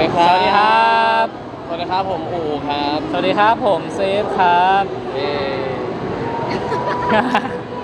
ยครัสบวัสดีครับสวัสดีครับผมอูครับสวัสดีครับผมเซฟครับเอ่อถาม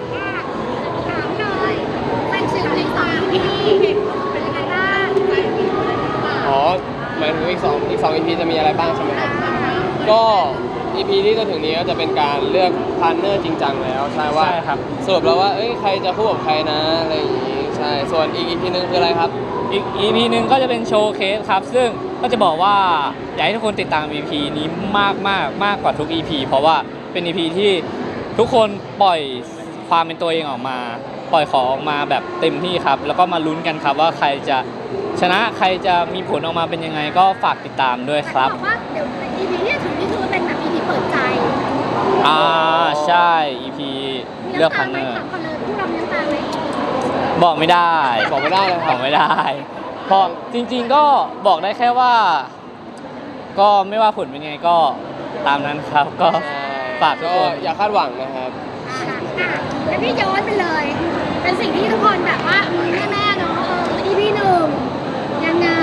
เลยเป็นสิ่งที่สองที่เป็นยังไงบ้างอ๋อหมายถึงอีกสอง EP จะมีอะไรบ้างใช่ไหมครับก็ EP ที่จะถึงนี้ก็จะเป็นการเลือกพาร์ทเนอร์จริงจังแล้วใช่ว่าใช่ครับสรุปแล้วว่าเอ้ยใครจะคู่กับใครนะอะไรอย่างงี้ใช่ส่วนอีก EP นึงคืออะไรครับอีก EP หนึ่งก็จะเป็นโชว์เคสครับ ซึ่งก็จะบอกว่าอยากให้ทุกคนติดตาม EP นี้มากกว่าทุก EP เพราะว่าเป็น EP ที่ทุกคนปล่อยความเป็นตัวเองออกมา ปล่อยของออกมาแบบเต็มที่ครับ แล้วก็มาลุ้นกันครับว่าใครจะชนะใครจะมีผลออกมาเป็นยังไงก็ฝากติดตามด้วยครับบอกว่าเดี๋ยว EP ที่ถึงนี่คือเป็นแบบ EP เปิดใจใช่ EP เลือกพาร์ทเนอร์ถามคนเลยผู้เราเลี้ยงตาไหมบอกไม่ได้บอกไม่ได้เลยครับบอกไม่ได้เพราะจริงๆก็บอกได้แค่ว่า ก็ไม่ว่าผลเป็นไงก็ตามนั้นครับ ก็ฝากทุกก็คนอย่าคาดหวังนะครับแล้วพี่ย้อนไปเลย เป็นสิ่งที่ทุกคนแบบว่าแม่เนาะEP หนึ่งยังไง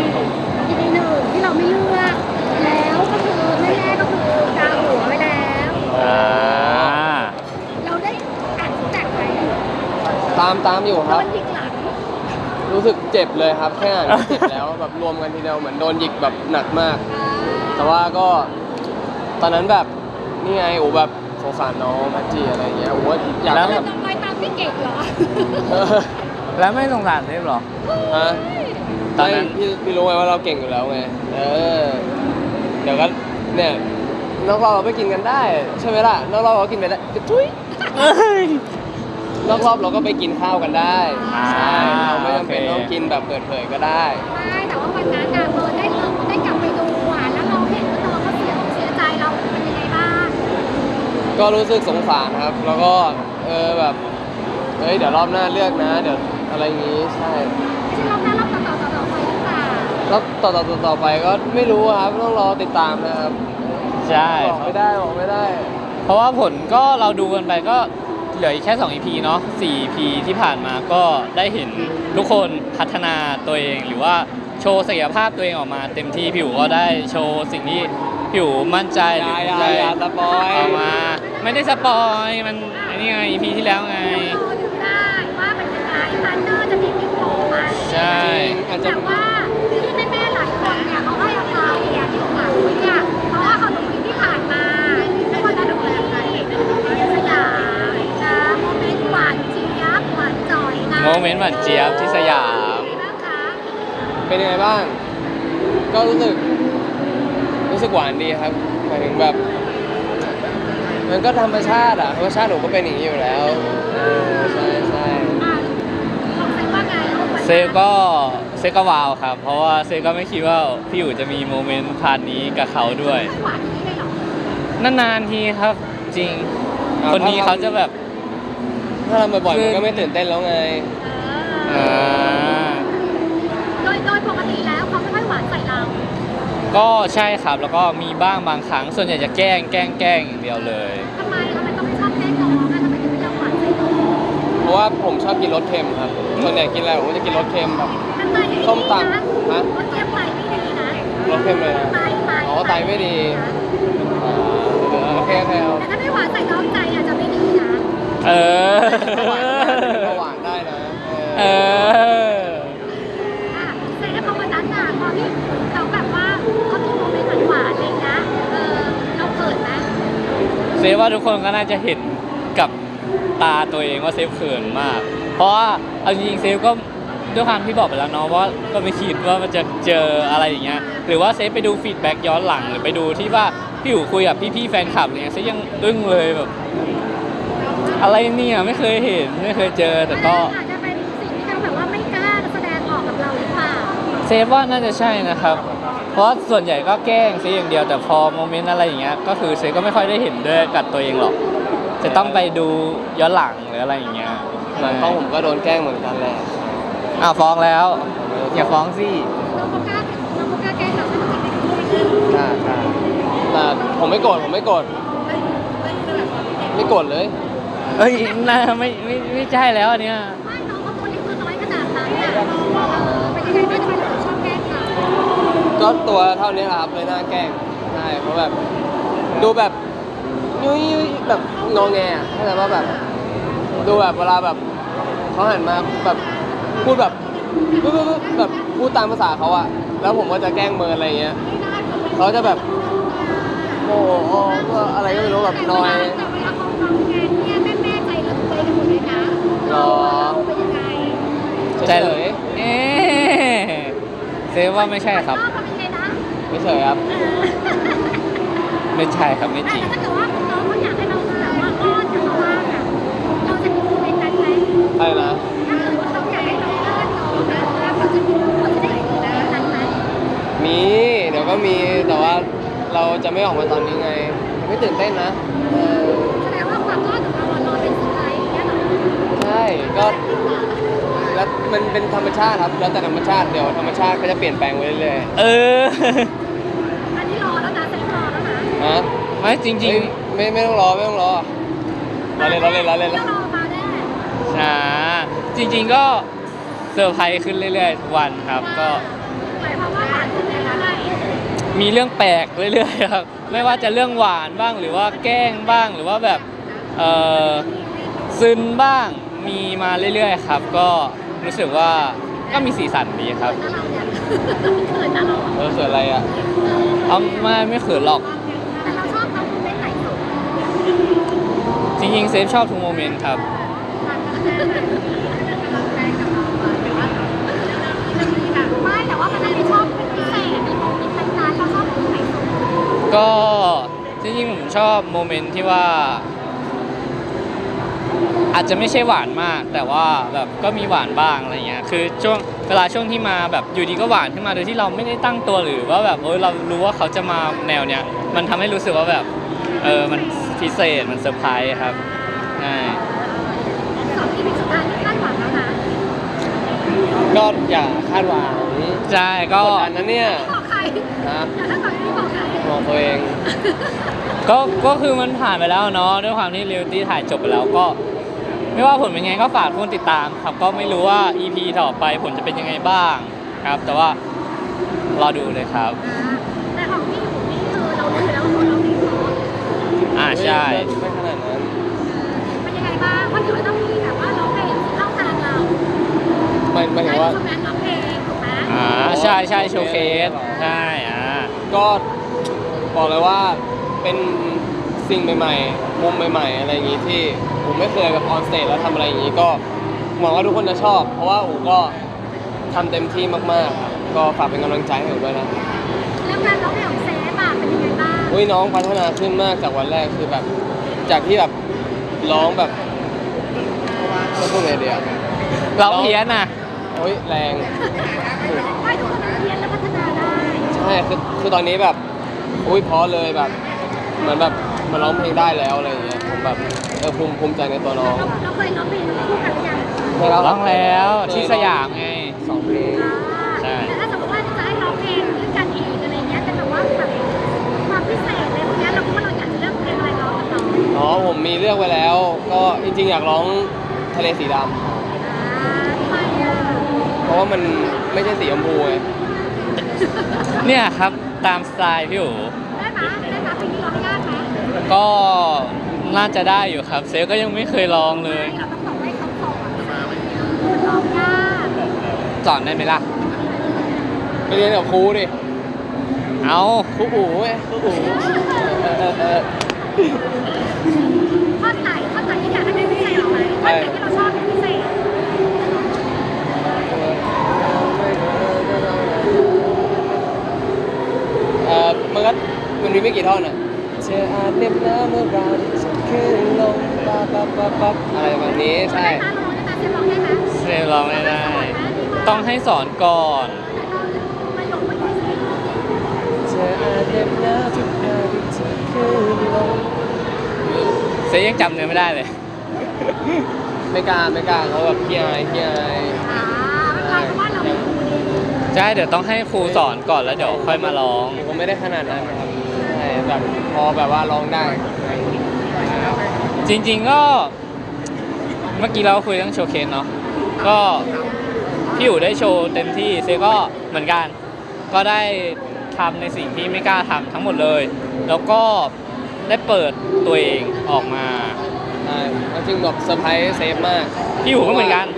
EP หนึ่งที่เราไม่เลือกแล้วก็คือแม่ก็คือกาหัวไปแล้วอ่าเราได้อ่านแตกไปตามอยู่คโดรับนยิงหลังรู้สึกเจ็บเลยครับแค่อ่านก็เจ็บแล้ว แบบรวมกันทีเดียวเหมือนโดนหยิกแบบหนักมาก แต่ว่าก็ตอนนั้นแบบนี่ไงโอ้แบบสงสารน้องแพทจีอะไรอย่างเงี้ยโอ้อยากแล้วให้เราแบบต้องไปตามพี่เก่งเหรอเออแล้วไม่สงสารเซฟหรอฮะตอนนั้นไม่พี่รู้ไงว่าเราเก่งอยู่แล้วไงเดี๋ยวก็เนี่ยนอกรอบเราไปกินกันได้ใช่ไหมล่ะนอกรอบเราก็กินไปได้ทุยนอกรอบเราก็ไปกินข้าวกันได้อ่าใช่เราไม่จำเป็นโอเคต้องกินแบบเปิดเผยก็ได้ไม่แต่ว่าวันนั้นน่ะได้กลับไปดูอ่ะแล้วเราเห็นว่าน้องเขาเสียใจเราเป็นยังไงบ้างก็รู้สึกสงสารครับ แล้วก็แบบเฮ้ยเดี๋ยวรอบหน้าเลือกนะ เดี๋ยวอะไรอย่างงี้ใช่จริงๆรอบหน้ารอบต่อไปหรือเปล่าแล้วต่อไปก็ไม่รู้ครับต้องรอติดตามนะครับใช่บอกไม่ได้เพราะว่าผลก็เราดูกันไปก็เหลืออีกแค่2 EP เนาะ4 EP ที่ผ่านมาก็ได้เห็นทุกคนพัฒนาตัวเองหรือว่าโชว์ศักยภาพตัวเองออกมา เต็มที่ผิวก็ได้โชว์สิ่งที่ผิวมั่นใจหรืออย่าสปอยออกมา ไม่ได้สปอยมันอันนี้ไง EP ที่แล้วไงเราดูได้ว่าเป็นยังไงพันเนอร์จะมีพิมพ์โผล่มาใช่อาจจะแต่ว่าที่แม่ๆหลายคนเนี่ยเขาให้อภัยเนี่ยที่หลังเนี่ยเพราะว่าเขาดูที่ผ่านมาไม่ว่าจะดูอะไรสยามนะโมเมนต์หวานเจี๊ยบหวานจ่อยนะโมเมนต์หวานเจี๊ยบที่สยามเป็นยังไงบ้าง ก็รู้สึกหวานดีครับหมายถึงแบบ มันก็ธรรมชาติธรรมชาติหนูก็เป็นอย่างนี้อยู่แล้วใช่ของเซฟว่าไงเซฟก็ว้าวครับ เพราะว่าเซฟก็ไม่คิดว่าพี่อยู่จะมีโมเมนต์พาร์ทนี้กับเขาด้วยหวานอย่างนี้เลยเหรอนานๆทีครับจริง คนนี้เขาจะแบบถ้าทำบ่อยๆมันก็ไม่ตื่นเต้นแล้วไงอ่าโดยปกติแล้วเขาไม่ค่อยหวานใส่เราก็ใช่ครับแล้วก็มีบ้างบางครั้ง ส่วนใหญ่จะแกล้งอย่างเดียวเลยทำไมต้องไม่ชอบแกล้งน้องอ่ะทำไมถึงไม่ยอมหวานใส่น้องเพราะว่าผมชอบกินรสเค็มครับส่วนใหญ่กินอะไรผมก็จะกินรสเค็มแบบมันไตไม่ดีนะส้มตำฮะรสเค็มไตไม่ดีนะรสเค็มเลยนะไตอ๋อไตไม่ดี โอเคเอาแต่ถ้าไม่หวานใส่น้องใจอาจจะไม่ดีนะเออหวานได้นะเอออ่ะแต่ถ้าพอวันนั้นน่ะพอที่เขาแบบว่าเขามีโมเมนต์หวานๆอะไรนะเราเขินไหมเซฟว่าทุกคนก็น่าจะเห็นกับตาตัวเองว่าเซฟเขินมาก เพราะว่าเอาจริงๆเซฟก็ด้วยความที่บอกไปแล้วเนาะว่าก็ไม่คิดว่ามันจะเจออะไรอย่างเงี้ยหรือว่าเซฟไปดูฟีดแบ็กย้อนหลังหรือไปดูที่ว่าพี่อยู่คุยกับพี่ๆแฟนคลับอะไรเงี้ยเซฟยังอึ้งเลยแบบอะไรเนี่ยไม่เคยเห็นไม่เคยเจอแต่ก็อาจจะเป็นสิ่งที่เขาแบบว่าไม่กล้าแสดงออกกับเราหรือเปล่าเซฟว่าน่าจะใช่นะครับ เพราะส่วนใหญ่ก็แกล้งเซฟอย่างเดียวแต่พอโมเมนต์อะไรอย่างเงี้ยก็คือเซฟก็ไม่ค่อยได้เห็นด้วยกับตัวเองหรอกจะต้องไปดูย้อนหลังหรืออะไรอย่างเงี้ยหลังกล้องผมก็โดนแกล้งเหมือนกันแหละอ้าวฟ้องแล้ว อย่าฟ้องสิเราก็กล้าแกล้งเราไม่ต้องเป็นค่ะแต่ผมไม่โกรธไม่โกรธเลยเอ้ยน่าไม่ใช่แล้วอันเนี้ยไม่น้องเขาคนนี้คือน้อยขนาดนั้นน่ะเป็นยังไงบ้างทำไมเราถึงชอบแกล้งเขาก็ตัวเท่านี้แหละครับเลยน่าแกล้งใช่เพราะแบบดูแบบยุ้ยแบบงอแงอะเข้าใจว่าแบบดูแบบเวลาแบบเขาหันมาแบบพูดแบบแบบพูดตามภาษาเขาอะแล้วผมก็จะแกล้งเมินอะไรอย่างเงี้ยเขาจะแบบโอ้โหอะไรก็ไม่รู้แบบนอยแต่เวลาเขาทำงานเนี่ยแม่ใจเราใจกันหมดเลยนะเราเป็นยังไงเฉยเอ๊ะเซฟว่าไม่ใช่ครับชอบเราเป็นยังไงนะไม่เฉยครับไม่ใช่ครับไม่จแต่ริงถ้าเกิดว่าน้องเขาอยากให้เราแบบว่าอ้อนกับเขาบ้างอะเราจะมีโมเมนต์นั้นไหมอะไรนะถ้าเกิดว่าเขาอยากให้เราอ้อนน้องนะเราจะได้เห็นโมเมนต์นั้นไหมมีเดี๋ยวก็มีแต่ว่าเราจะไม่ออกมาตอนนี้ไงไม่ตื่นเต้นนะเออแสดงว่าความอ้อนของเราอะรอเป็นสุดท้ายอย่างเงี้ยเหรอใช่ก็แล้วมันเป็นธรรมชาติครับแล้วแต่ธรรมชาติเดี๋ยวธรรมชาติก็จะเปลี่ยนแปลงไปเรื่อยเอออันนี้รอแล้วนะเซ็งรอแล้วนะๆนะไม่จริงเฮ้ยไม่ต้องรอเราเล่นเราเล่นรอมาแน่ๆช้าจริง ๆ ก็เซอร์ไพรส์ขึ้นเรื่อยๆทุกวันครับก็หมายความว่าหวานขึ้นเรื่อยๆมีเรื่องแปลกเรื่อยๆครับ ไม่ว่าจะเรื่องหวานบ้างหรือว่าแกล้งบ้างหรือว่าแบบเออซึนบ้างมีมาเรื่อยๆครับ ก็รู้สึกว่าก็มีสีสันดีครับเขินนะเราเนี่ยเขินนะเราอะเสืออะไรอ่ะเอาไม่เขินหรอกแต่เราชอบเขาโมเมนต์ไหนสุดจริงๆเซฟชอบทุกโมเมนต์ครับไม่แต่ว่ามันไม่ชอบเป็นพิเศษมีโมเมนต์นั้นๆเราชอบโมเมนต์ไหนสุดก็จริงๆผมชอบโมเมนต์ที่ว่า อาจจะไม่ใช่หวานมาก แต่ว่าแบบก็มีหวานบ้างอะไรเงี้ยคือเวลาช่วงที่มาแบบอยู่ดีก็หวานขึ้นมาโดยที่เราไม่ได้ตั้งตัวหรือว่าแบบเรารู้ว่าเขาจะมาแนวเนี้ยมันทำให้รู้สึกว่าแบบมันพิเศษมันเซอร์ไพรส์ครับใช่สองที่เป็นสุดท้ายที่คาดหวังแล้วนะก็อย่าคาดหวังใช่ก็กดดันนะเนี่ยบอกใครนะอย่าคาดหวังที่บอกใครบอกตัวเองก็คือมันผ่านไปแล้วเนาะด้วยความที่เรียลตี้ถ่ายจบไปแล้วก็ ไม่ว่าผลเป็นไงก็ฝากทุกคนติดตามครับก็ไม่รู้ว่า EP ต่อไปผลจะเป็นยังไงบ้างครับ แต่ว่ารอดูเลยครับแต่ของพี่อยู่นี่คือเรารู้อยู่แล้วว่าเราไม่พร้อมใช่ไม่ขนาดนั้นเป็นยังไงบ้างเพราะเดี๋ยวต้องมีแบบว่าร้องเพลงเข้าทางเราหมายถึงว่าใช่ไหมร้องเพลงถูกไหมใช่โชว์เคสใช่ก็บอกเลยว่าเป็นสิ่งใหม่ๆมุมใหม่ๆอะไรอย่างงี้ที่ผมไม่เคยแบบออนสเตจแล้วทำอะไรอย่างงี้ก็หวังว่าทุกคนจะชอบ เพราะว่าอูก็ทำเต็มที่มากๆครับก็ฝากเป็นกำลังใจให้อูด้วยนะแล้วการร้องเพลงของเซฟอะเป็นยังไงบ้างอุ้ยน้องพัฒนาขึ้นมากจากวันแรกคือแบบจากที่แบบร้องแบบไม่พูดไงเดียวเราเพี้ยนอ่ะโอ้ยแรงไม่ทุกคนเรียนแล้วพัฒนาได้ใช่คือตอนนี้แบบอุ้ยเพอเลยแบบเหมือนแบบมันร้องเพลงได้แล้วอะไรอย่างเงี้ยผมแบบภูมิใจในตัวน้องเราเคยร้องเพลงคู่กันหรือยังไม่รับร้องแล้วที่สยามไงสองเพลงใช่แต่ถ้าสมมติว่าจะให้ร้องเพลงด้วยกันอีกอะไรเงี้ยเป็นแบบว่าแบบความพิเศษอะไรพวกเนี้ยเราคิดว่าเราอยากจะเลือกเพลงอะไรร้องกับน้องอ๋อผมมีเลือกไว้แล้ว ก็จริงๆอยากร้องทะเลสีดำทำไมอ่ะเพราะว่ามันไม่ใช่สีชมพูไงเนี่ยครับตามสไตล์พี่อู๋ได้ไหมเพลงนี้ร้องยากไหมก็น่าจะได้อยู่ครับเซฟก็ยังไม่เคยลองเลยเราต้องบอกให้เขาสอนมันร้องยากสอนได้ไหมล่ะไปเรียนกับครูดิเอาครูอู๋ไงครูอู๋เออข้อไหนที่อยากให้เป็นพิเศษหรอไหมข้อไหนที่เราชอบเป็นพิเศษมันมีไม่กี่ท่อนอ่ะเธออาจเหน็บหนาวเมื่อเราจะขึ้นลงปั๊บอะไรแบบนี้ใช่ได้ไหมเราร้องได้ไหมเซฟร้องได้ไหมเซฟร้องไม่ได้ ต้องให้สอนก่อนประโยคเมื่อกี้สิเธออาจเหน็บหนาวทุกครั้งที่เธอขึ้นลงเซฟยังจำเนื้อไม่ได้เลยไม่กล้าเขาแบบขี้อายไม่เป็นไรเพราะว่าเราเป็นครูดีใช่เดี๋ยวต้องให้ครูสอนก่อนแล้วเดี๋ยวค่อยมาร้องผมก็ไม่ได้ขนาดนั้นนะครับใช่แบบพอแบบว่าร้องได้จริงๆก็เมื่อกี้เราคุยเรื่องโชว์เคสเนาะก็พี่อู๋ได้โชว์เต็มที่เซฟก็เหมือนกัน ก็ได้ทำในสิ่งที่ไม่กล้าทำทั้งหมดเลย แล้วก็ได้เปิดตัวเองออกมาใช่จริงแบบเซอร์ไพรส์เซฟมากพี่อู๋ก็เหมือนกัน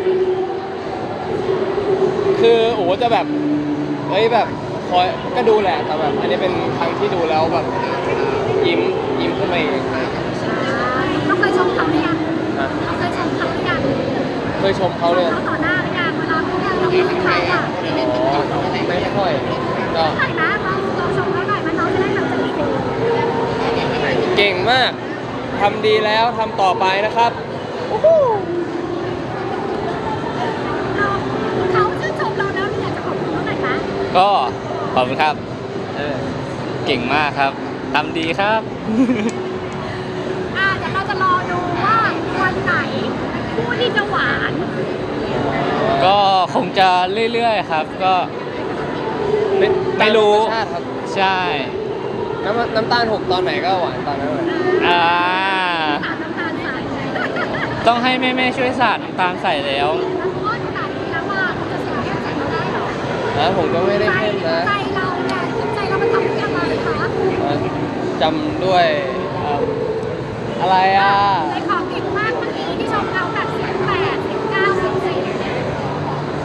คือโอ้จะแบบเฮ้ยแบบคอยก็ดูแหละแต่แบบอันนี้เป็นครั้งที่ดูแล้วแบบยิ้มขึ้นมาเองเราเคยชมเขาหรือยังนะเราเคยชมเขาหรือยังเคยชมเขาเลยเขาต่อหน้าหรือยังเวลาเขาเราพูดถึงเขาอ่ะอ๋อไม่ค่อยก็เท่าไหร่นะเราชมเขาหน่อยมันน้องจะได้แบบจะดีเก่งมากทำดีแล้วทำต่อไปนะครับเขาชื่นชมเราแล้วอยากจะขอบคุณเขาหน่อยนะก็ขอบคุณครับเออเก่งมากครับทำดีครับเดี๋ยวเราจะรอดูว่าวันไหนคู่ที่จะหวานก็คงจะเรื่อยๆครับ ก็ ไม่รู้ตาธรรมชาติครับใช่น้ำตาลหกตอนไหนก็หวานตอนนั้นเลยอ่าถามน้ำตาลใส่ต้องให้แม่ๆช่วยสาดน้ำตาลใส่แล้วแล้วเพราะว่าขนาดนี้แล้วว่าเขาจะเสียแค่ใส่เราได้หรอนะผมก็ไม่ได้ใจเข้มนะใจเราเนี่ยใจเรามันทำด้วยอะไรคะจำด้วยอะไรอ่ะในของเก่งมากเมื่อกี้ที่ชมเราแบบ18 19 14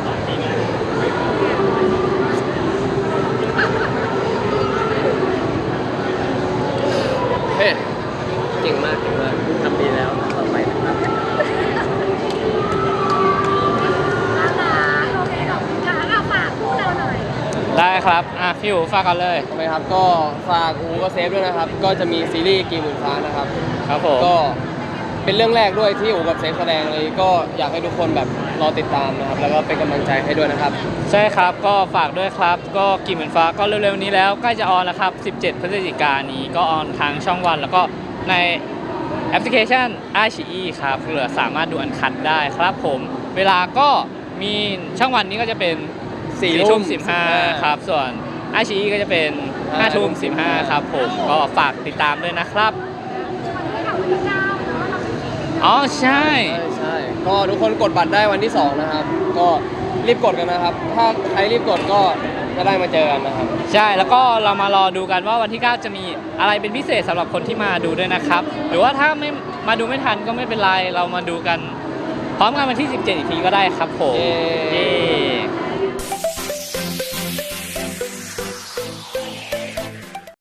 เฮ้ยเก่งมากทำดีแล้วต่อไปนะครับโอเคขอบคุณค่ะเอาฝากคู่เราหน่อยได้ครับ พี่อู๋ฝากกันเลยทำไมครับก็ฝากอูก็เซฟด้วยนะครับ ก็จะมีซีรีส์กี่หมื่นฟ้านะครับครับผมก็เป็นเรื่องแรกด้วยที่อูกับเซฟแสดงเลยก็อยากให้ทุกคนแบบรอติดตามนะครับ แล้วก็เป็นกำลังใจให้ด้วยนะครับใช่ครับ ก็ฝากด้วยครับ ก็กี่หมื่นฟ้าก็เร็วๆนี้แล้วใกล้จะออนแล้วครับ 17 พฤศจิกายนนี้ก็ออนทางช่องวัน แล้วก็ในแอปพลิเคชัน iQIYI ครับเหลือสามารถดูอันคัดได้ครับผม เวลาก็มีช่องวันนี้ก็จะเป็น 4 ทุ่ม 15 ครับ ส่วน iQIYI ก็จะเป็น 5 ทุ่ม 15 ครับผมก็ฝากติดตามด้วยนะครับวันนี้ค่ะวันที่9เนาะเราเป็นทีมอ๋อใช่ใช่ก็ทุกคนกดบัตรได้วันที่ 2 นะครับ ก็รีบกดกันนะครับ ถ้าใครรีบกดก็จะได้มาเจอกันนะครับใช่ แล้วก็เรามารอดูกันว่าวันที่ 9 จะมีอะไรเป็นพิเศษสำหรับคนที่มาดูด้วยนะครับ หรือว่าถ้าไม่มาดูไม่ทันก็ไม่เป็นไร เรามาดูกันพร้อมกันวันที่ 17 อีกทีก็ได้ครับผมเย้เย้